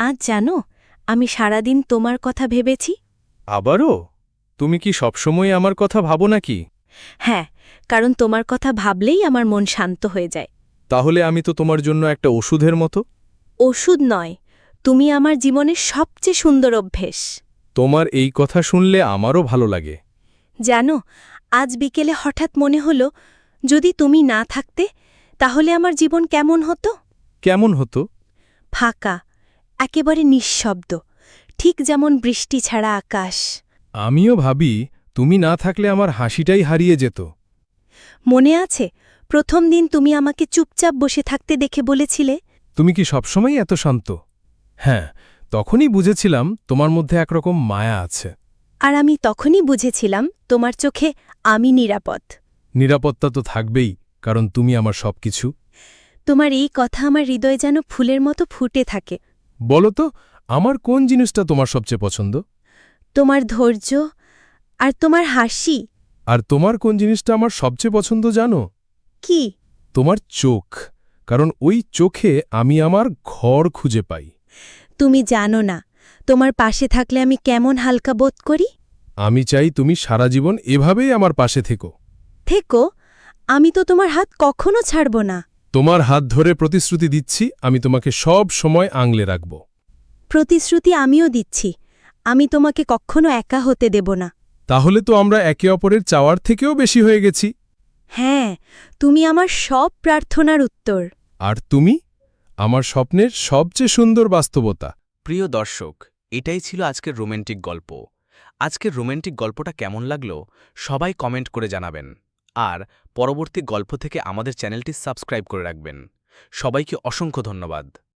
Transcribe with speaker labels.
Speaker 1: আজ জানো, আমি সারাদিন তোমার কথা ভেবেছি।
Speaker 2: আবারও? তুমি কি সবসময় আমার কথা ভাবো নাকি?
Speaker 1: হ্যাঁ, কারণ তোমার কথা ভাবলেই আমার মন শান্ত হয়ে যায়।
Speaker 2: তাহলে আমি তো তোমার জন্য একটা ওষুধের মতো।
Speaker 1: ওষুধ নয়, তুমি আমার জীবনের সবচেয়ে সুন্দর অভ্যেস।
Speaker 2: তোমার এই কথা শুনলে আমারও ভালো লাগে।
Speaker 1: জানো, আজ বিকেলে হঠাৎ মনে হলো, যদি তুমি না থাকতে তাহলে আমার জীবন কেমন হতো।
Speaker 2: কেমন হতো?
Speaker 1: ফাঁকা, একেবারে নিঃশব্দ, ঠিক যেমন বৃষ্টি ছাড়া আকাশ।
Speaker 2: আমিও ভাবি, তুমি না থাকলে আমার হাসিটাই হারিয়ে যেত।
Speaker 1: মনে আছে, প্রথম দিন তুমি আমাকে চুপচাপ বসে থাকতে দেখে বলেছিলে,
Speaker 2: তুমি কি সবসময় এত শান্ত? হ্যাঁ, তখনই বুঝেছিলাম তোমার মধ্যে একরকম মায়া আছে।
Speaker 1: আর আমি তখনই বুঝেছিলাম তোমার চোখে আমি নিরাপদ।
Speaker 2: নিরাপত্তা তো থাকবেই, কারণ তুমি আমার সবকিছু।
Speaker 1: তোমার এই কথা আমার হৃদয় যেন ফুলের মতো ফুটে থাকে।
Speaker 2: বলো তো, আমার কোন জিনিসটা তোমার সবচেয়ে পছন্দ?
Speaker 1: তোমার ধৈর্য আর তোমার হাসি।
Speaker 2: আর তোমার কোন জিনিসটা আমার সবচেয়ে পছন্দ জানো?
Speaker 1: কি?
Speaker 2: তোমার চোখ, কারণ ওই চোখে আমি আমার ঘর খুঁজে পাই।
Speaker 1: তুমি জানো না, তোমার পাশে থাকলে আমি কেমন হালকা বোধ করি।
Speaker 2: আমি চাই তুমি সারা জীবন এভাবেই আমার পাশে থেকো।
Speaker 1: থেকো, আমি তো তোমার হাত কখনো ছাড়ব না।
Speaker 2: তোমার হাত ধরে প্রতিশ্রুতি দিচ্ছি, আমি তোমাকে সব সময় আংলে রাখব।
Speaker 1: প্রতিশ্রুতি আমিও দিচ্ছি, আমি তোমাকে কখনো একা হতে দেব না।
Speaker 2: তাহলে তো আমরা একে অপরের চাওয়ার থেকেও বেশি হয়ে গেছি।
Speaker 1: হ্যাঁ, তুমি আমার সব প্রার্থনার উত্তর।
Speaker 2: আর তুমি আমার স্বপ্নের সবচেয়ে সুন্দর বাস্তবতা।
Speaker 3: প্রিয় দর্শক, এটাই ছিল আজকের রোম্যান্টিক গল্প। আজকের রোম্যান্টিক গল্পটা কেমন লাগলো সবাই কমেন্ট করে জানাবেন। আর পরবর্তী গল্প থেকে আমাদের চ্যানেলটি সাবস্ক্রাইব করে রাখবেন। সবাইকে অসংখ্য ধন্যবাদ।